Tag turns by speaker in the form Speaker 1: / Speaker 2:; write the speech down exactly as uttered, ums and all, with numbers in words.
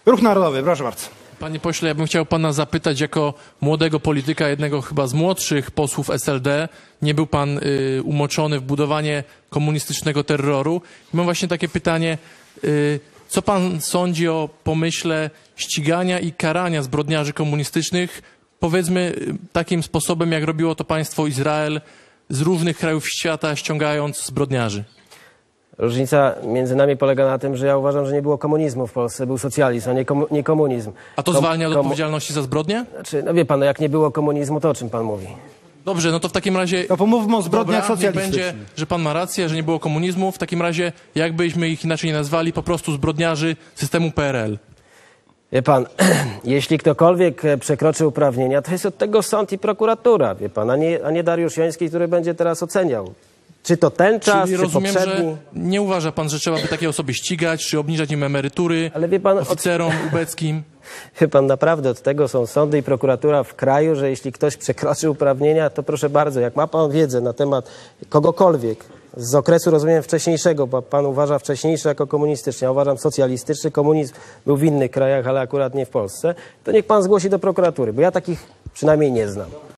Speaker 1: Ruch Narodowy, proszę bardzo.
Speaker 2: Panie pośle, ja bym chciał pana zapytać jako młodego polityka, jednego chyba z młodszych posłów S L D. Nie był pan y, umoczony w budowanie komunistycznego terroru. I mam właśnie takie pytanie, y, co pan sądzi o pomyśle ścigania i karania zbrodniarzy komunistycznych, powiedzmy y, takim sposobem, jak robiło to państwo Izrael z różnych krajów świata, ściągając zbrodniarzy?
Speaker 3: Różnica między nami polega na tym, że ja uważam, że nie było komunizmu w Polsce, był socjalizm, a nie, komu nie komunizm.
Speaker 2: A to
Speaker 3: Kom
Speaker 2: zwalnia od
Speaker 3: komu
Speaker 2: odpowiedzialności za zbrodnie?
Speaker 3: Znaczy, no wie pan, no jak nie było komunizmu, to o czym pan mówi?
Speaker 2: Dobrze, no to w takim razie...
Speaker 1: To pomówmy o zbrodniach
Speaker 2: Dobra, niech
Speaker 1: socjalistycznych.
Speaker 2: będzie, że pan ma rację, że nie było komunizmu. W takim razie, jakbyśmy ich inaczej nie nazwali, po prostu zbrodniarzy systemu P R L.
Speaker 3: Wie pan, jeśli ktokolwiek przekroczy uprawnienia, to jest od tego sąd i prokuratura, wie pan, a nie, a nie Dariusz Joński, który będzie teraz oceniał. Czy to ten czas,
Speaker 2: Czyli
Speaker 3: czy
Speaker 2: rozumiem,
Speaker 3: poprzedni?
Speaker 2: że nie uważa pan, że trzeba by takie osoby ścigać, czy obniżać im emerytury,
Speaker 3: Ale wie pan,
Speaker 2: oficerom ubeckim?
Speaker 3: Wie pan, naprawdę od tego są sądy i prokuratura w kraju, że jeśli ktoś przekroczy uprawnienia, to proszę bardzo, jak ma pan wiedzę na temat kogokolwiek z okresu, rozumiem, wcześniejszego, bo pan uważa wcześniejszy jako komunistyczny, ja uważam socjalistyczny, komunizm był w innych krajach, ale akurat nie w Polsce, to niech pan zgłosi do prokuratury, bo ja takich przynajmniej nie znam.